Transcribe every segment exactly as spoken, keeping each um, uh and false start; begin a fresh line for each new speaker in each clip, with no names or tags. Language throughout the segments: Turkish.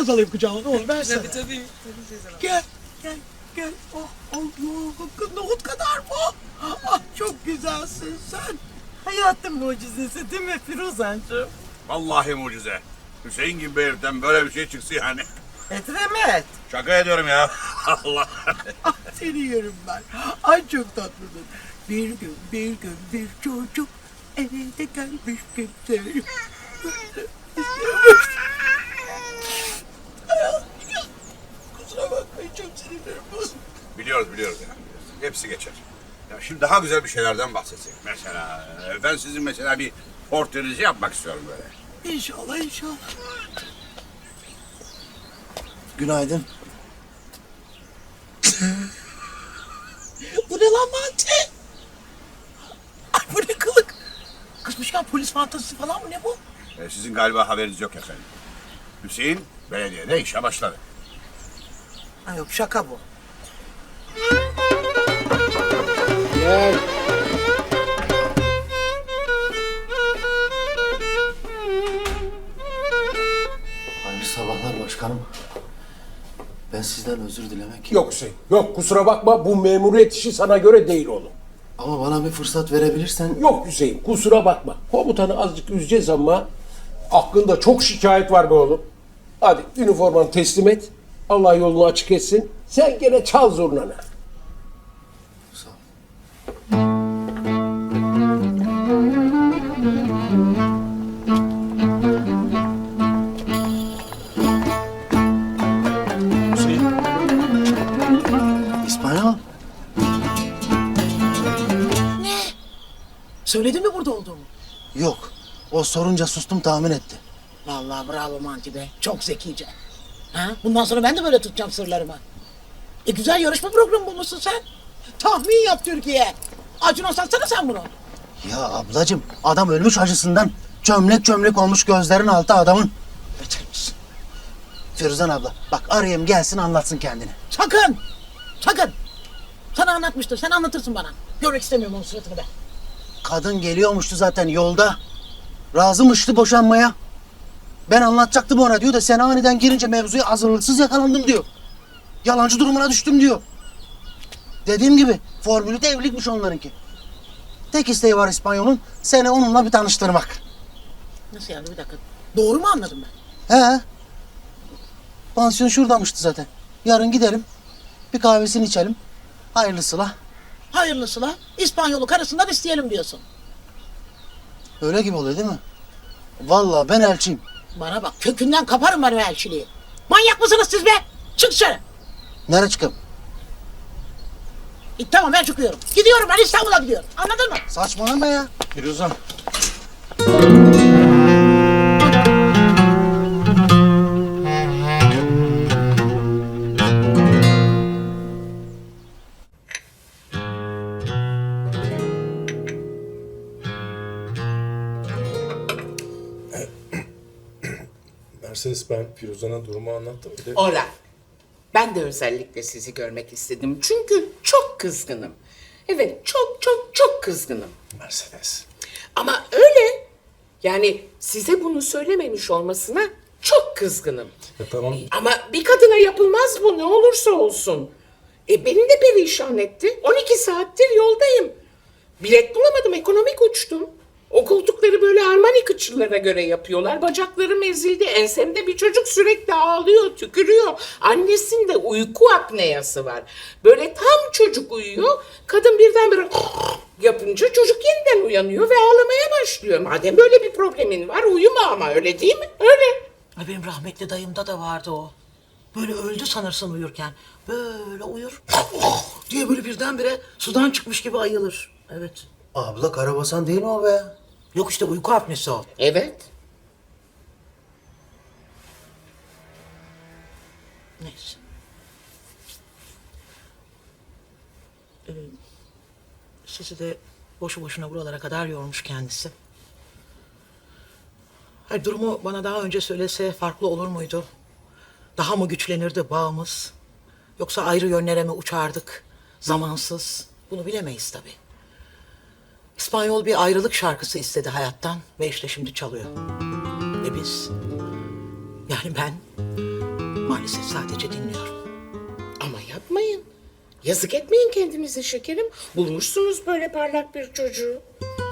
alayım kucağıma ne olur versene.
Tabii tabii. Tabii teyze.
Gel, gel, gel. Oh, Allah, nohut kadar bu. Ah, çok güzelsin sen. Hayatın mucizesi değil mi Firuzancığım?
Vallahi mucize. Hüseyin gibi bir heriften böyle bir şey çıksa yani.
Etremet.
Şaka ediyorum ya. Allah.
Ah, seni yerim ben. Ay çok tatlısın. Bir gün, bir gün bir çocuk eve de gelmiş kimse. Kusura bakmayın çok sinirlerim bozuldu.
Biliyoruz biliyoruz ya. Hepsi geçer. Ya şimdi daha güzel bir şeylerden bahsetsek. Mesela e, ben sizin mesela bir portrenizi yapmak istiyorum böyle.
İnşallah inşallah.
Günaydın.
Bu ne lan mantı? Ay bu ne kılık? Kızmışken polis fantazisi falan mı ne bu?
E, sizin galiba haberiniz yok efendim. Hüseyin belediyede işe başladı.
Ha yok şaka bu.
Gel. Hayırlı sabahlar başkanım. Ben sizden özür dilemek...
Yok Hüseyin, yok kusura bakma bu memuriyet işi sana göre değil oğlum.
Ama bana bir fırsat verebilirsen...
Yok Hüseyin, kusura bakma. Komutanı azıcık üzeceğiz ama aklında çok şikayet var be oğlum. Hadi üniformanı teslim et. Allah yolunu açık etsin. Sen gene çal zurnanı.
Sağ ol.
Hüseyin.
İspanyol.
Söyledin mi burada olduğumu?
Yok. O sorunca sustum, tahmin etti.
Vallahi bravo Manti be. Çok zekice. Ha? Bundan sonra ben de böyle tutacağım sırlarımı. E güzel yarışma programı bulmuşsun sen. Tahmin yap Türkiye. Acun'a satsana sen bunu.
Ya ablacığım, adam ölmüş acısından. Çömlek çömlek olmuş gözlerin altı adamın.
Beter misin?
Firuzan abla, bak arayayım gelsin anlatsın kendini.
Sakın. Sakın. Sana anlatmıştır. Sen anlatırsın bana. Görmek istemiyorum onun suratını ben.
Kadın geliyormuştu zaten yolda. Razımıştı boşanmaya. Ben anlatacaktım ona diyor da sen aniden girince mevzuya hazırlıksız yakalandım diyor. Yalancı durumuna düştüm diyor. Dediğim gibi formülü de evlilikmiş onlarınki. Tek isteği var İspanyol'un, seni onunla bir tanıştırmak.
Nasıl yani bir dakika. Doğru mu anladım ben?
He. Pansiyon şuradamıştı zaten. Yarın gidelim, bir kahvesini içelim. Hayırlısıyla.
Hayırlısıyla İspanyolu karısından isteyelim diyorsun.
Öyle gibi oluyor değil mi? Vallahi ben elçiyim.
Bana bak kökünden kaparım ben o elçiliği. Manyak mısınız siz be? Çık dışarı.
Nereye çıkayım?
E, tamam ben çıkıyorum. Gidiyorum ben İstanbul'a gidiyorum. Anladın mı?
Saçmalama ya.
Firuzan.
Mercedes, ben Firuzan'a durumu anlattım. Bir de
Ora. Ben de özellikle sizi görmek istedim. Çünkü çok kızgınım. Evet, çok çok çok kızgınım.
Mercedes.
Ama öyle. Yani size bunu söylememiş olmasına çok kızgınım.
Ya tamam.
Ama bir kadına yapılmaz bu ne olursa olsun. E beni de perişan etti. on iki saattir yoldayım. Bilet bulamadım, ekonomik uçtum. O koltukları böyle Armani kıçılara göre yapıyorlar. Bacaklarım ezildi. Ensemde bir çocuk sürekli ağlıyor, tükürüyor. Annesinde uyku apneyası var. Böyle tam çocuk uyuyor. Kadın birdenbire yapınca çocuk yeniden uyanıyor ve ağlamaya başlıyor. Madem böyle bir problemin var uyuma ama, öyle değil mi? Öyle.
Ay benim rahmetli dayımda da vardı o. Böyle öldü sanırsın uyurken. Böyle uyur. diye böyle birdenbire sudan çıkmış gibi ayılır. Evet.
Abla karabasan değil mi o be?
Yok işte uyku apnesi o.
Evet.
Neyse. Ee, sizi de boşu boşuna buralara kadar yormuş kendisi. Hayır, durumu bana daha önce söylese farklı olur muydu? Daha mı güçlenirdi bağımız? Yoksa ayrı yönlere mi uçardık? Zamansız. Bunu bilemeyiz tabii. İspanyol bir ayrılık şarkısı istedi hayattan ve işte şimdi çalıyor. Ve biz, yani ben Maalesef sadece dinliyorum.
Ama yapmayın. Yazık etmeyin kendinize şekerim. Bulmuşsunuz böyle parlak bir çocuğu.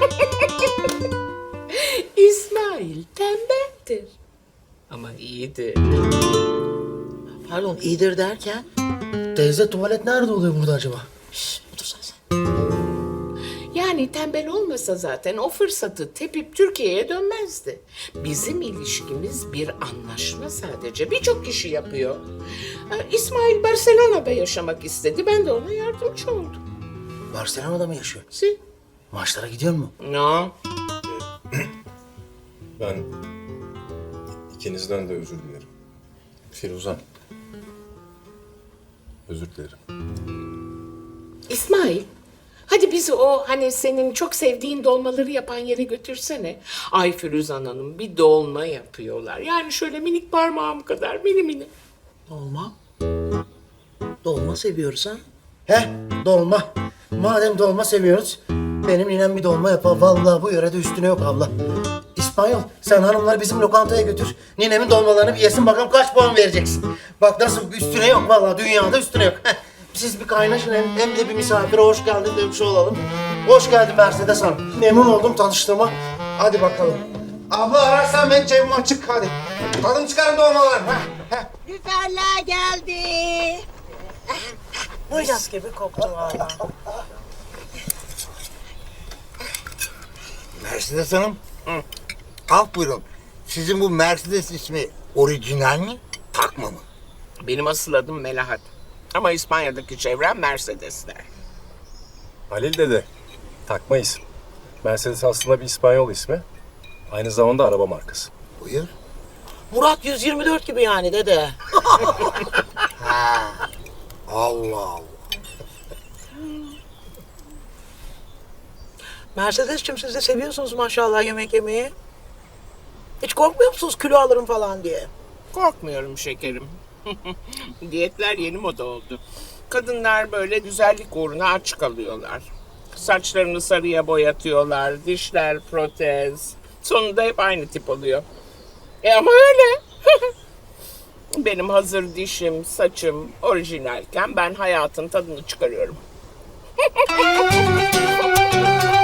İsmail tembeldir. Ama iyidir.
Pardon, iyidir derken?
Teyze tuvalet nerede oluyor burada acaba?
Şşş, otursana sen.
Yani tembel olmasa zaten o fırsatı tepip Türkiye'ye dönmezdi. Bizim ilişkimiz bir anlaşma sadece. Birçok kişi yapıyor. Ee, İsmail Barcelona'da yaşamak istedi. Ben de ona yardımcı oldum.
Barcelona'da mı yaşıyor?
Si?
Maçlara gidiyor mu?
No.
Ben ikinizden de özür dilerim. Firuzan. Özür dilerim.
İsmail, hadi bizi o hani senin çok sevdiğin dolmaları yapan yere götürsene. Ay Firuzan Hanım bir dolma yapıyorlar. Yani şöyle minik parmağım kadar mini mini.
Dolma. Dolma seviyoruz ha.
He, dolma. Madem dolma seviyoruz, benim ninem bir dolma yapar. Vallahi bu yörede üstüne yok abla. İspanyol, sen hanımları bizim lokantaya götür. Ninemin dolmalarını bir yesin bakalım kaç puan vereceksin. Bak nasıl üstüne yok vallahi dünyada üstüne yok. Heh, siz bir kaynaşın hem, hem de bir misafire hoş geldin demiş olalım. Hoş geldin Mercedes Hanım. Memnun oldum tanıştığıma. Hadi bakalım. Abla ararsan ben cebim açık hadi. Tadım çıkarın dolmalar. Heh, heh.
Lüferler geldi.
Mis gibi koktu valla.
Mercedes Hanım. Af buyurun. Sizin bu Mercedes ismi orijinal mi? Takma mı?
Benim asıl adım Melahat. Ama İspanya'daki çevrem Mercedesler.
Halil dede. Takma isim. Mercedes aslında bir İspanyol ismi. Aynı zamanda araba markası.
Buyur.
Murat yüz yirmi dört gibi yani dede.
Allah Allah.
Mercedes'cim siz de seviyorsunuz maşallah yemek yemeyi. Hiç korkmuyor musunuz kilo alırım falan diye?
Korkmuyorum şekerim. Diyetler yeni moda oldu. Kadınlar böyle güzellik uğruna aç kalıyorlar. Saçlarını sarıya boyatıyorlar, dişler protez. Sonunda hep aynı tip oluyor. E ama öyle. Benim hazır dişim, saçım orijinalken ben hayatın tadını çıkarıyorum.